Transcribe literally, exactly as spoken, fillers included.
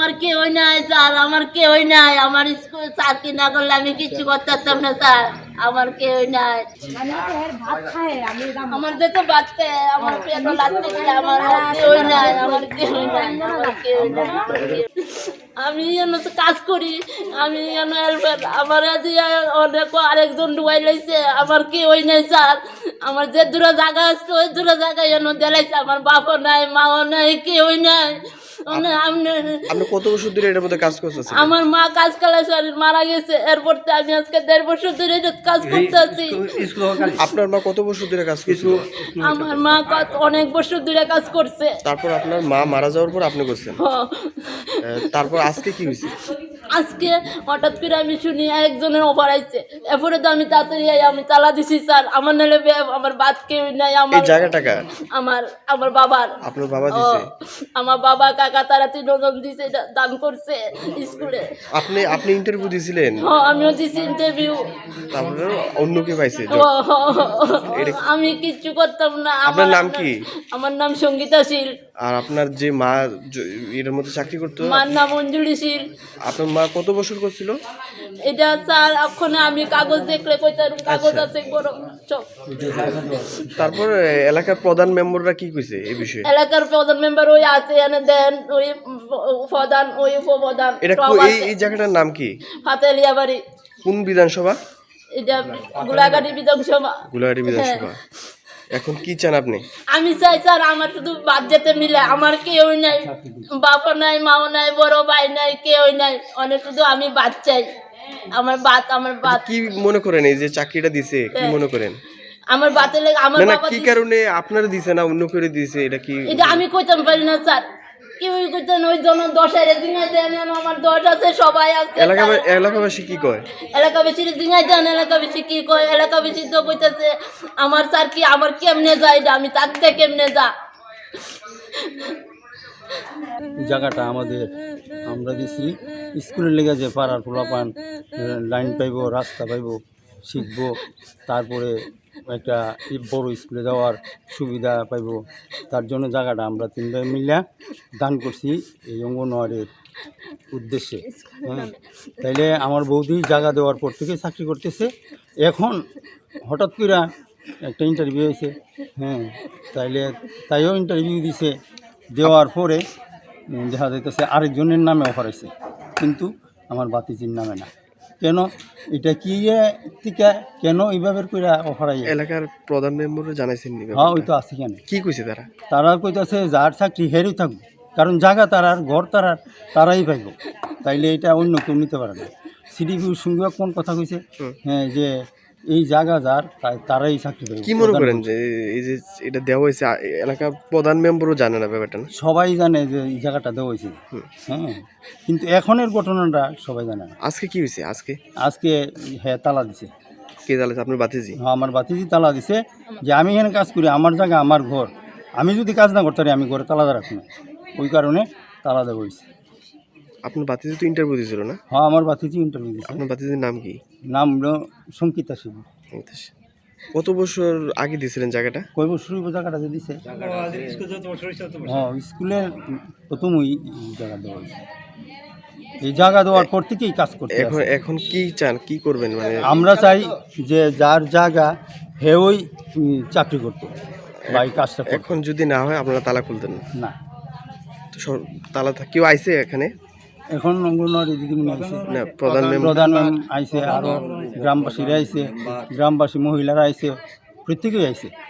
আমার কেউই নাই স্যার, আমার কেউই নাই। আমার স্কুল চাকরি না করলে আমি কিচ্ছু করতে পারতাম না স্যার, আমার কেউই নাই। আমার যেতে বাঁচতে আমার পেট লাগতে গেলে আমার কেউই নাই, আমার কেউই নাই, আমার কেউই নাই। আমি যেন কাজ করি, আমি যেন আমার অনেক আরেকজন ডুবাই লাইছে, আমার কেউই নাই স্যার। আমার যে দূরে জায়গা আছে ওই দূরে জায়গায় যেন দেলাইছে, আমার বাপও নাই, মাও নাই, কেউই নাই। আপনি কত বছর ধরে এটার মধ্যে কাজ করতেছেন? আমার মা কাজ কালে মারা গেছে, এরপর আমি আজকে দেড় বছর ধরে কাজ করতেছি। আপনার মা কত বছর ধরে কাজ করছে? আমার মা অনেক বছর ধরে কাজ করছে। তারপর আপনার মা মারা যাওয়ার পর আপনি করছেন? হ্যাঁ। তারপর আজকে কি হয়েছে? আজকে হঠাৎ করে আমি শুনি একজনের অফার আইছে, এরপরে তো আমি তাড়াতাড়ি আমি তালা দিছি স্যার। আমার নাহলে আমার বাদ কেউ নাই। আমার এই জায়গাটাকা আমার আমার বাবার। আপনার বাবা দিছে? আমার বাবা কাকা তারা তিনজন দিছে, দান করছে স্কুলে। আপনি আপনি ইন্টারভিউ দিছিলেন? হ্যাঁ, আমিও দিছি ইন্টারভিউ। তারপরে অন্য কে পাইছে? আমি কিচ্ছু করতাম না। আপনার নাম কি? আমার নাম সঙ্গীতা শীল। আর আপনার যে মা এর মধ্যে চাকরি করতো? মার নাম অঞ্জলি শীল। আপনার মা কত বছর করছিল? এটা স্যার এখন আমি কাগজ দেখলে কইতাম, কাগজ আছে বড় সব। তারপর এলাকার প্রধান মেম্বাররা কি কইছে এই বিষয়ে? এলাকার প্রধান মেম্বার ওই আছে এনে দেন, ওই প্রধান ওই উপপ্রধান। এটা এই এই জায়গাটার নাম কি? ফাতেলিয়া বাড়ি। কোন বিধানসভা? এটা গোলাঘাটি বিধানসভা। গোলাঘাটি বিধানসভা। এখন কি চান আপনি? আমি চাই স্যার আমার শুধু বাদ যেতে মিলে, আমার কেউ নাই, বাবা নাই, মাও নাই, বড় ভাই নাই, কেউ নাই, অনেক শুধু আমি বাদ চাই। আমার বাত আমার বাত কি মনে করেন এই যে চাকরিটা দিছে, কি মনে করেন? আমার বাতে লেগে আমার বাবা কি কারণে আপনার দিছে না অন্য করে দিছে, এটা কি? এটা আমি কইতাম পারি না স্যার, কেউই কইতেন ওই জন্য দশের দিঙাই দেন, আমার দশ আছে, সবাই আছে। এলাকা এলাকাবাসী কি কয়? এলাকাবাসীর দিঙাই দেন, এলাকাবাসী কি কয়? এলাকাবাসী তো কইতেছে আমার স্যার কি আমার কেমনে যায়, আমি থাকতে কেমনে যা। জায়গাটা আমাদের আমরা দিছি স্কুলের লেগে, যে পাড়ার পোলাপান লাইন পাইব, রাস্তা পাইব, শিখব, তারপরে একটা বড় স্কুলে যাওয়ার সুবিধা পাইব, তার জন্য জায়গাটা আমরা তিন ভাই মিলে দান করছি এই অঙ্গনওয়াড়ির উদ্দেশ্যে। হ্যাঁ, তাইলে আমার বৌদি জায়গা দেওয়ার পর থেকে চাকরি করতেছে। এখন হঠাৎ করে একটা ইন্টারভিউ হয়েছে, হ্যাঁ, তাইলে তাইও ইন্টারভিউ দিছে, দেওয়ার পরে দেখা যাইতেছে আরেকজনের নামে অফার হয়েছে, কিন্তু আমার বাতিজির নামে না। কেন এটা কি থেকে কেন এইভাবে করে অফার আইছে? এলাকার প্রধান মেম্বারও জানাইছেন? হ্যাঁ, ওই তো আছে। কেন কি কইছে তারা? তারা কইতাছে যার চাকরি হেরেই থাকবো, কারণ জায়গা তারার, ঘর তারার, তারাই পাইব, তাইলে এটা অন্য কেউ নিতে পারে না। সিডিপির সঙ্গে কোন কথা কইছে, হ্যাঁ, যে এই জায়গা যার তারাই চাকরি পাইব। কি মনে করেন যে এই যে এটা দেওয়া হয়েছে, এলাকার প্রধান মেম্বারও জানে না ব্যাপারটা? সবাই জানে যে এই জায়গাটা দেওয়া হয়েছে, হ্যাঁ, কিন্তু এখনের ঘটনাটা সবাই জানে না। আজকে কি হয়েছে? আজকে আজকে হ্যাঁ তালা দিছে। কে তালা? আপনার বাতিজি? হ্যাঁ, আমার বাতিজি তালা দিছে, যে আমি এখানে কাজ করি, আমার জায়গা, আমার ঘর, আমি যদি কাজ না করতে পারি আমি ঘরে তালা রাখি না, ওই কারণে তালা দেওয়া হয়েছে। আপনার বাতিজি তো ইন্টারভিউ দিয়েছিল না? হ্যাঁ, আমার বাতিজি ইন্টারভিউ দিছে। আপনার বাতিজির নাম কি? নাম হলো সঙ্গীতা শিব। কত বছর আগে দিয়েছিলেন জায়গাটা? কয় বছর জায়গাটা যে দিছে? হ্যাঁ, স্কুলের প্রথমই জায়গা দেওয়া হয়েছে। এই জায়গা দেওয়ার পর থেকেই কাজ করতে। এখন এখন কি চান, কি করবেন? মানে আমরা চাই যে যার জায়গা হেওই চাকরি করতো বা এই কাজটা। এখন যদি না হয় আপনারা তালা খুলতেন না? তো তালা কেউ আইছে এখানে? এখন অঙ্গনওয়াড়ি দিদিমণি আইছে, না প্রধান প্রধান ম্যাম আইছে, আরও গ্রামবাসীরা আইছে, গ্রামবাসী মহিলারা আইছে, প্রত্যেকেই আইছে।